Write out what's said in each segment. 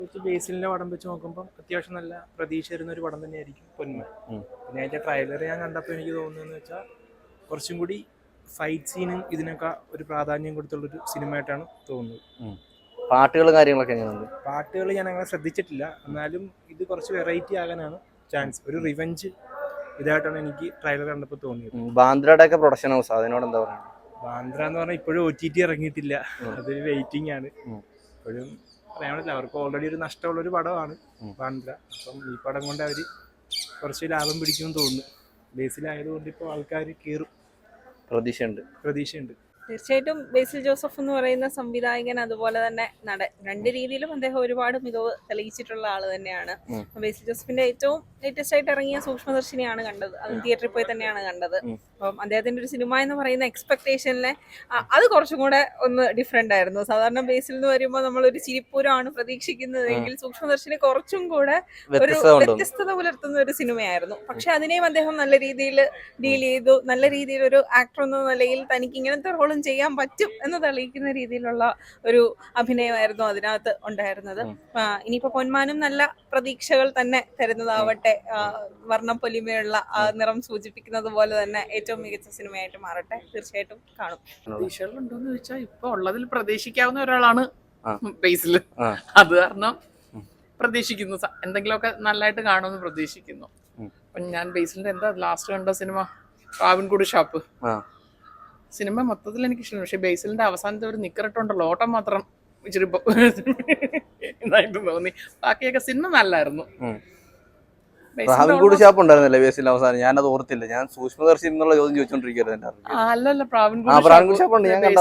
ബേസിലിന്റെ പടം വെച്ച് നോക്കുമ്പോൾ അത്യാവശ്യം നല്ല പ്രതീക്ഷ വരുന്ന ഒരു പടം തന്നെയായിരിക്കും പൊന്മ. പിന്നെ അതിന്റെ ട്രailer ഞാൻ കണ്ടപ്പോൾ എനിക്ക് തോന്നുന്നതെന്ന് വെച്ചാൽ കുറച്ചും കൂടി ഫൈറ്റ് സീനും ഇതിനൊക്കെ ഒരു പ്രാധാന്യം കൊടുത്തുള്ളൊരു സിനിമയായിട്ടാണ് തോന്നുന്നത്. പാട്ടുകളും കാര്യങ്ങളൊക്കെ എങ്ങനെയുണ്ട്? പാട്ടുകൾ ഞാൻ അങ്ങനെ ശ്രദ്ധിച്ചിട്ടില്ല, എന്നാലും ഇത് കുറച്ച് വെറൈറ്റി ആകാനാണ് ചാൻസ്. ഒരു റിവെഞ്ച് ഇതായിട്ടാണ് എനിക്ക് ട്രailer കണ്ടപ്പോൾ തോന്നിയത്. ബാന്ദ്രയുടെ ഒക്കെ പ്രൊഡക്ഷൻ ഹൗസ്, അതിനോട് എന്താ പറയുക? ബാന്ദ്ര എന്ന് പറഞ്ഞാൽ ഇപ്പോഴും OTT ഇറങ്ങിയിട്ടില്ല, അതൊരു വെയിറ്റിംഗ് ആണ്. ഇപ്പോഴും പറയാൻ പറ്റില്ല, അവർക്ക് ഓൾറെഡി ഒരു നഷ്ടമുള്ളൊരു പടമാണ് ബാന്ദ്ര. അപ്പം ഈ പടം കൊണ്ട് അവർ കുറച്ച് ലാഭം പിടിക്കുമെന്ന് തോന്നുന്നു. ബേസിലായതുകൊണ്ട് ഇപ്പോൾ ആൾക്കാർ കയറും, പ്രതീക്ഷയുണ്ട്. തീർച്ചയായിട്ടും ബേസിൽ ജോസഫ് എന്ന് പറയുന്ന സംവിധായകൻ അതുപോലെ തന്നെ നടൻ, രണ്ട് രീതിയിലും അദ്ദേഹം ഒരുപാട് മികവ് തെളിയിച്ചിട്ടുള്ള ആള് തന്നെയാണ്. ബേസിൽ ജോസഫിന്റെ ഏറ്റവും ലേറ്റസ്റ്റ് ആയിട്ട് ഇറങ്ങിയ സൂക്ഷ്മദർശിനിയാണ് കണ്ടത്, അത് തിയേറ്ററിൽ പോയി തന്നെയാണ് കണ്ടത്. അപ്പം അദ്ദേഹത്തിന്റെ ഒരു സിനിമ എന്ന് പറയുന്ന എക്സ്പെക്ടേഷനിലെ അത് കുറച്ചും കൂടെ ഒന്ന് ഡിഫറെന്റ് ആയിരുന്നു. സാധാരണ ബേസിൽ എന്ന് വരുമ്പോൾ നമ്മളൊരു ചിരിപ്പൂരമാണ് പ്രതീക്ഷിക്കുന്നതെങ്കിൽ സൂക്ഷ്മദർശിനി കുറച്ചും കൂടെ ഒരു വ്യത്യസ്തത പുലർത്തുന്ന ഒരു സിനിമയായിരുന്നു. പക്ഷെ അതിനെയും അദ്ദേഹം നല്ല രീതിയിൽ ഡീൽ ചെയ്തു. നല്ല രീതിയിൽ ഒരു ആക്ടർ എന്ന നിലയിൽ തനിക്ക് ഇങ്ങനത്തെ റോളും ചെയ്യാൻ പറ്റും എന്ന് തെളിയിക്കുന്ന രീതിയിലുള്ള ഒരു അഭിനയമായിരുന്നു അതിനകത്ത് ഉണ്ടായിരുന്നത്. ഇനിയിപ്പോ പൊന്മാനും നല്ല പ്രതീക്ഷകൾ തന്നെ തരുന്നതാവട്ടെ, വർണ്ണപ്പൊലിമയുള്ള നിറം സൂചിപ്പിക്കുന്നത് പോലെ തന്നെ ഏറ്റവും മികച്ച സിനിമയായിട്ട് മാറട്ടെ. തീർച്ചയായിട്ടും കാണും. പ്രതീക്ഷകളുണ്ടോന്ന് ചോദിച്ചാൽ ഇപ്പൊ ഉള്ളതിൽ പ്രതീക്ഷിക്കാവുന്ന ഒരാളാണ് ബേസിൽ. അത് കാരണം പ്രതീക്ഷിക്കുന്നു എന്തെങ്കിലുമൊക്കെ നല്ലതായിട്ട് കാണുമെന്ന് പ്രതീക്ഷിക്കുന്നു. അപ്പൊ ഞാൻ ബേസിലിന്റെ എന്താ ലാസ്റ്റ് കണ്ട സിനിമ പ്രാവിൻകൂട് ഷാപ്പ് സിനിമ മൊത്തത്തിൽ എനിക്ക് ഇഷ്ടമാണ്. പക്ഷെ ബേസിലിന്റെ അവസാനത്തെ ഒരു നിക്കറിട്ടുണ്ടല്ലോ, ഓട്ടം മാത്രം ഇച്ചിരി ഇതായിട്ട് തോന്നി. ബാക്കിയൊക്കെ സിനിമ നല്ലായിരുന്നു. പ്രാവിൻകൂട് ഷാപ്പ് ഉണ്ടായിരുന്നല്ലേ ബേസിൽ അവസാനം? ഞാനത് ഓർത്തില്ല. ഞാൻ സൂക്ഷ്മദർശി എന്നുള്ള ചോദ്യം ചോദിച്ചോണ്ടിരിക്കുന്നത്. അല്ലല്ല, പ്രാവിൻകൂട് ഷാപ്പ് ഉണ്ട്, ഞാൻ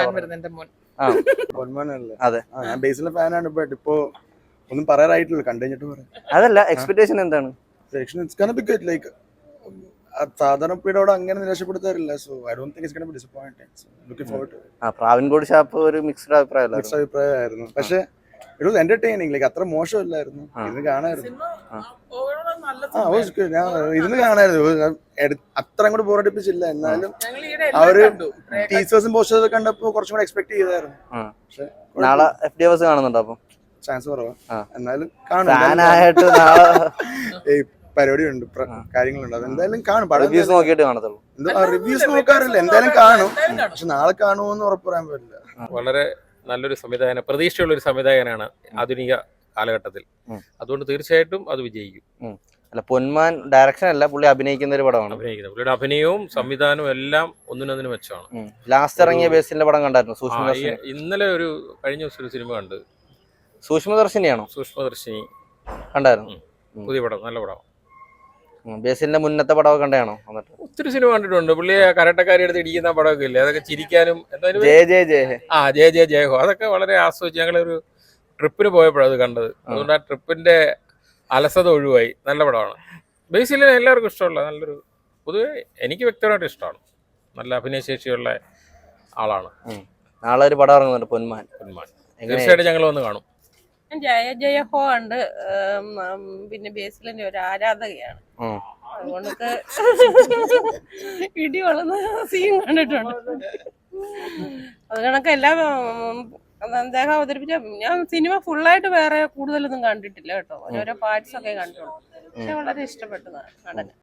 അതെ, ഞാൻ ബേസിലെ ഫാനാണ്. ബട്ട് ഇപ്പോ ഒന്നും പറയാറായിട്ടില്ല, കണ്ടു കഴിഞ്ഞിട്ട് പറയാം. അതല്ല, എക്സ്പെക്ടേഷൻ എന്താണ്? സാധാരണ പീരീഡോട് അങ്ങനെ നിരാശപ്പെടുത്താറില്ല. So I don't think it's gonna be disappointing. So looking forward to it. Pravinkoodu Shappu ഒരു മിക്സ്ഡ് അഭിപ്രായമായിരുന്നു. പക്ഷെ ഇറ്റ് വാസ് എന്റർടൈനിങ്. ലൈക്ക് അത്ര മോശമല്ലായിരുന്നു, ഇരുന്ന് കാണായിരുന്നു. ഞാൻ ഇരുന്ന് കാണായിരുന്നു, അത്ര അങ്ങോട്ട് ബോറടിപ്പിച്ചില്ല. എന്നാലും അവര് ടീച്ചേഴ്സും പോസ്റ്റേഴ്സും കണ്ടപ്പോ കുറച്ചും കൂടെ എക്സ്പെക്ട് ചെയ്തായിരുന്നു. പക്ഷെ നാളെ FDFS കാണുന്നുണ്ടോ? അപ്പൊ ചാൻസ് കുറവാ, എന്നാലും കാണും. പരിപാടിയുണ്ട്, കാര്യങ്ങളുണ്ട്, അത് എന്തായാലും കാണും. റിവ്യൂസ് നോക്കിയിട്ട് കാണത്തുള്ളൂ. റിവ്യൂസ് നോക്കാറില്ല, എന്തായാലും കാണും. പക്ഷെ നാളെ കാണുമെന്ന് ഉറപ്പ് പറയാൻ പറ്റില്ല. വളരെ നല്ലൊരു സംവിധായകൻ, പ്രതീക്ഷയുള്ള ഒരു സംവിധായകനാണ് ആധുനിക കാലഘട്ടത്തിൽ. അതുകൊണ്ട് തീർച്ചയായിട്ടും അത് വിജയിക്കും. അല്ല, പൊന്മാൻ ഡയറക്ഷൻ അല്ല, പുള്ളി അഭിനയിക്കുന്ന ഒരു പടമാണ്. പുള്ളിയുടെ അഭിനയവും സംവിധാനവും എല്ലാം ഒന്നിനൊന്നിന് മെച്ചമാണ്. ലാസ്റ്റ് ഇറങ്ങിയ ബേസിന്റെ പടം കണ്ടായിരുന്നു? സൂക്ഷ്മദർശിനി. ഇന്നലെ കഴിഞ്ഞ ദിവസം ഒരു സിനിമ കണ്ട്. സൂക്ഷ്മദർശിനിയാണോ? സൂക്ഷ്മദർശിനി കണ്ടായിരുന്നു. പുതിയ പടം, നല്ല പടം. ബേസിലിന്റെ മുന്നത്തെ പടമൊക്കെ കണ്ടാണോ? ഒത്തിരി സിനിമ കണ്ടിട്ടുണ്ട്. പുള്ളിയെ കരട്ടക്കാരി എടുത്ത് ഇടിക്കുന്ന പടമൊക്കെ ഇല്ലേ, അതൊക്കെ ചിരിക്കാനും ജയ ജയ ഹോ, അതൊക്കെ വളരെ ആസ്വദിച്ച് ഞങ്ങളൊരു ട്രിപ്പിന് പോയപ്പോഴത് കണ്ടത്. അതുകൊണ്ട് ആ ട്രിപ്പിന്റെ അലസത ഒഴിവായി. നല്ല പടമാണ്. ബേസിലിന് എല്ലാവർക്കും ഇഷ്ടമുള്ള നല്ലൊരു, പൊതുവെ എനിക്ക് വ്യക്തിപരമായിട്ട് ഇഷ്ടമാണ്. നല്ല അഭിനയശേഷിയുള്ള ആളാണ്. നാളെ ഒരു പടം ഇറങ്ങുന്നുണ്ട്, പൊന്മാൻ. തീർച്ചയായിട്ടും ഞങ്ങൾ വന്ന് കാണും. ജയ ജയ ഹോ ഉണ്ട്. പിന്നെ ബേസിലിന്റെ ഒരു ആരാധകയാണ്, അതുകൊണ്ട് ഇടി വളർന്ന സീൻ കണ്ടിട്ടുണ്ട്. അത് കണക്ക് എല്ലാം അദ്ദേഹം അവതരിപ്പിച്ച. ഞാൻ സിനിമ ഫുള്ളായിട്ട് വേറെ കൂടുതലൊന്നും കണ്ടിട്ടില്ല കേട്ടോ, ഓരോരോ പാർട്സ് ഒക്കെ കണ്ടിട്ടുള്ളൂ. പക്ഷെ വളരെ ഇഷ്ടപ്പെട്ടതാണ് നടന്.